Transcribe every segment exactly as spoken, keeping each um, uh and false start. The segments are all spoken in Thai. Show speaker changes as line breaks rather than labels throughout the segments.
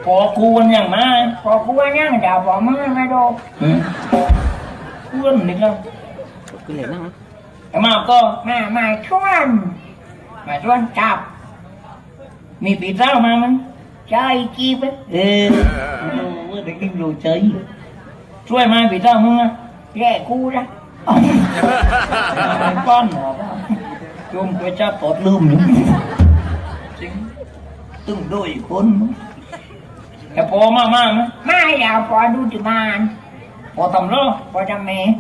อกูวันอย่างมา
พอกูวันยังจะพอมึงไม่ดู
กูวันนี่ก็
กูเหนื่อยนั่ง
แต่มาก็
มามาชวน
มาชวนจับมีปีเต้ามามั้ย
ใจจีบ
เออเด็กดิ้งดูใจช่วยมาปีเต้ามึงนะ
แย่กูนะ
ป้อนหรอจุ่มไปจับปอดลืมอยู่จริงตึงด้วยคนแต่พอมากมากมั้ย
ไม่อยากพอดูจุมาน
พอทำรอ
พอทำเมย์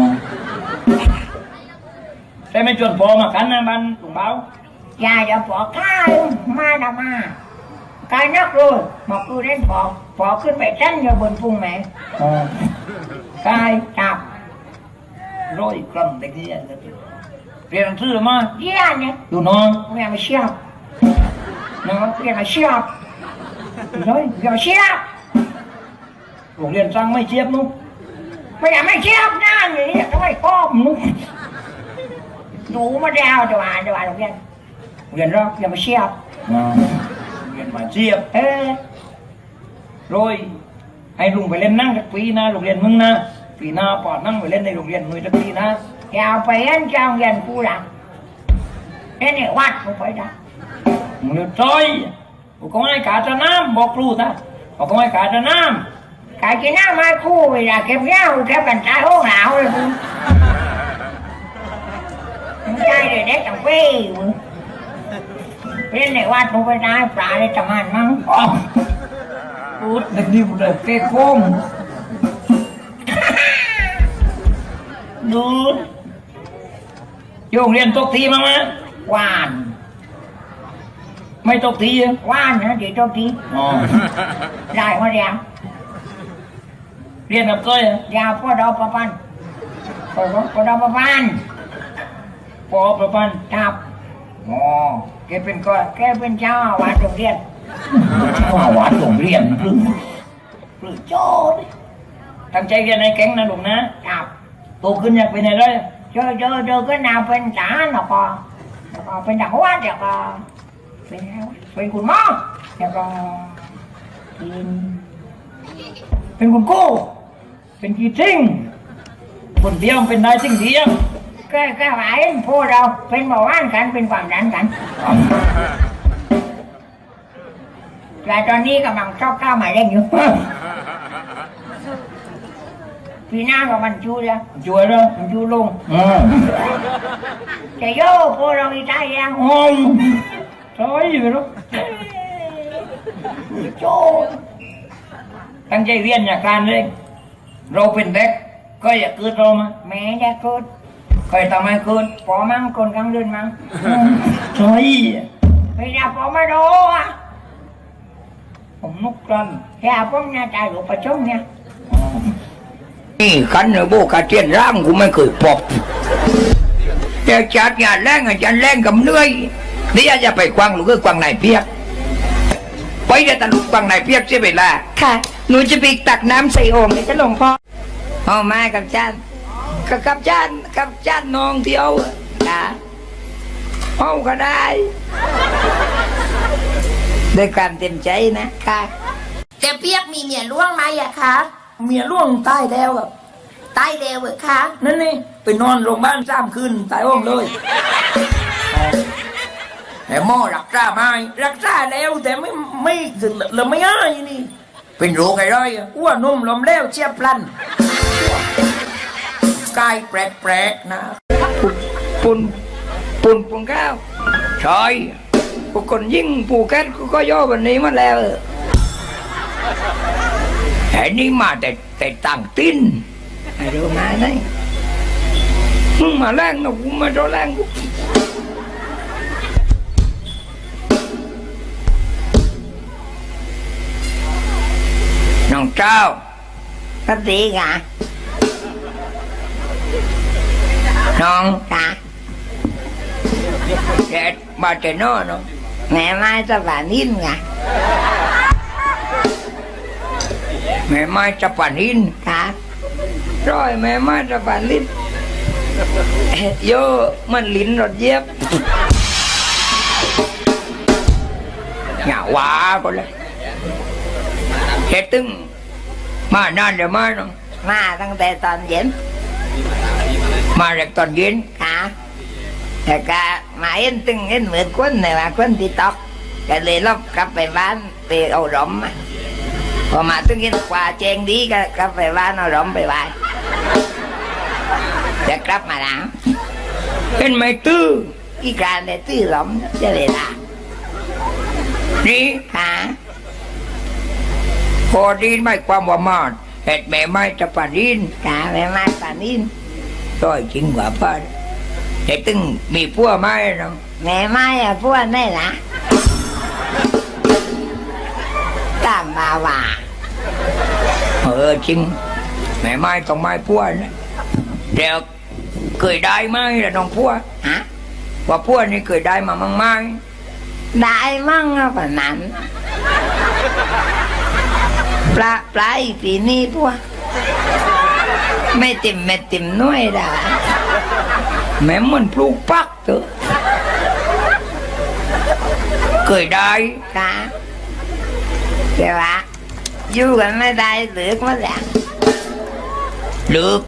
แต่ไม่จนพอมากันนะบ้านหลวงเบา
อยากจะพอข้าวมาดามากายนักรู้มาคือเล่นพอพอขึ้นไปเต้นอยู่บนพุ่งแม่กายจับ
ร้อยกรัมเด็กที่เรียนหนังสือมา
เรียนเนี่ย
ดูน้อง
เรียนมาเชียบน้องเรียนมาเชียบน้อยเรียนมาเชียบ
โรงเรียนสั่งไม่เชียบนุ๊ก
ไม่อยากไม่เชียบนั่นอย่างนี้ทำไมก้มนุ๊กดูมาดาวจังหวะจังหวะโรงเรียน
เรียนรัก
เรียนมาเชียบ
เรียนมาเชียบ
เออ
โรยให้ลุงไปเล่นนั่งสักปีนะโรงเรียนมึงนะปีหน้าปอดนั่งไปเล่นในโรงเรียนมึงสักปีนะ
อยากไปเล่นเจ้าเรียนกูหลังเล่นในวัดกูไปได้
มึงเลือดจอยกูก็ให้ขาดน้ำบอกครูท่ากูก็ให้ขาดน้
ำขาดกินน้ำไม่คู่เวลาเก็บเงี้ยเก็บกันใจห้องหนาวเลยมึงมึงใจเลยเด็กจังเฟ้ยมึงเล่นในวัดกูไปได้ปลาได้จังหันมั้ง
พูดเด็กนี่พูดเลยเก๊กโค้งดูโยงเรียนตกทีมั้งมั้ย
หวาน
ไม่ตกที
หวานนะเดี๋ยวตกทีได้มาเรียน
เรียนกับก้อย
ยาวพ่อดอกประพันธ์พ่อพ่อดอกประพันธ์
พ่อประพันธ์
จับอ๋อแกเป็นก็แกเป็นเจ้าวัดโรงเรียน
เจ้าวัดโรงเรียนหรือหรือโจ้ตั้งใจเรียนในแก๊งนะลุงนะ
จับ
โตขึ้นอยากเป็นอะไร
เจอเจอเจอก็นาเป็นจ๋าหนอปอแล้วก็เป็นดักวัดเดี๋ยวก็เป็นเป็นคุณหมอเดี๋ยวก็เป็นเป็นคุณกู้
เป็นกี่ทิ้งคนเดียวเป็นนายทิ้งเดียว
แค่แค่หมายพวกเราเป็นหมอว่านกันเป็นความดันกันแต่ตอนนี้กำลังชอบก้าวหมายเร่งอยู่ปีหน้าก็มันชูแล้ว
ช่วยแล้ว
มันชูลงจะโย่พวกเราอีกได้ยัง
โอ้ยใช่อยู่แล้ว
โจ้
ตั้งใจเรียนอย่างการเลยเราเป็นเด็กก็อย่าเกิดเรามา
แม่จะเกิด
ใครทำให้เกิด
พอมั่งคนกลางเดือนมั่ง
ใช่
ไม่อยากพอมาดูอ่ะ
ผมนุกกัน
อยากพอเนี่ยใจหลวงประชุมเนี่ย
นี่ขันเนโบกาเทียนร่างกูไม่เคยพบแต่จัดงานแรงอาจารย์แรงกับเหนื่อยนี่อาจจะไปกวางหรือก็กวางนายเปียกไปจะตะลุกกวางนายเปียกใช่ไหมล่ะ
ค่ะหนูจะไปตักน้ำใส่โอ่งเลยจะหลวงพ่อเอามากับจานกับกับจานกับจานน้องที่เอาค่ะเอาก็ได้ด้วยการเต็มใจนะค่ะแต่เปียกมีเมียล่วงไหมอะคะ
เมียล่วงตายแล้วแบบ
ตายแล้วเหรอคะ
นั่นนี่ไปนอนโรงพยาบาลสามคืนตายห้องเลยแต่หมอรักษาไม่รักษาแล้วแต่ไม่ไม่ถึงเราไม่ง่ายนี่เป็นโรคอะไรอ้วนนุ่มลมแล้วเชียบพลันกายแปลกๆนะ
ปุ่นปุ่นปุ่นข้าวใช่พวกคนยิ่งปูแก๊สก็ย่อแบบนี้มาแล้วแห่นี้มาแต่แต่ต่างติ้น
เดี๋ยวมาได้
มึงมาแรงนะกูมาโดนแรงกูน้องเจ้า
ก็ดีไง
น้อง
ค่ะ
แกมาแต่นอนเนาะ
แม่มาจะหวานนิ่มไง
แม่ไม้จะปั่นหิน
ค่ะ
ร้อยแม่ไม้จะปั่นลิ้นโยมันลิ้นรถเย็บหงาว้าก็เลยแต่ตึงมานานเดี๋ยวมาน้อง
มาตั้งแต่ตอนเย็น
มาแรกตอนเย็น
ค่ะแต่ก็มาเห็นตึงเห็นเหมือนคนเลยว่าคนที่ตอกก็เลยลบกลับไปบ้านไปเอาหลอมมาพอมาตึงเห็นกว่าเจงดีก็กลับไปบ้านเอาหลอมไปบ้านจะกลับมาแล้ว
เห็นไหมตื้อ
อีกการได้ตื้อหลอมจะเลยละ
นี่
ค่ะ
พอดีไม่ความว่ามาเห็ดแม่ไม้จะปาดิน
ค่ะแม่ไม้ป่านิน
ต้อยจริงกว่าป้าแต่ตึงมีพัวไม้น้อง
แม่ไม้อะพวกนี่นะตามบาว่า
เออจริงแม่ไม้ต้องไม้พัวนะเดี๋ยวเคยได้ไหมล่ะน้องพัว
ฮะ
ว่าพัวนี่เคยได้มามั่งไหม
ได้มั่งอะป่ะนั้นปลาปลาอีกปีนี้พวกไม่ติ่มไม่ติ่มน้อยได้
แม่มันปลูกปักเถอะเคยได้
ค่ะแต่ว่าอยู่กันไม่ได้เหลือกมาแล้ว
หรือ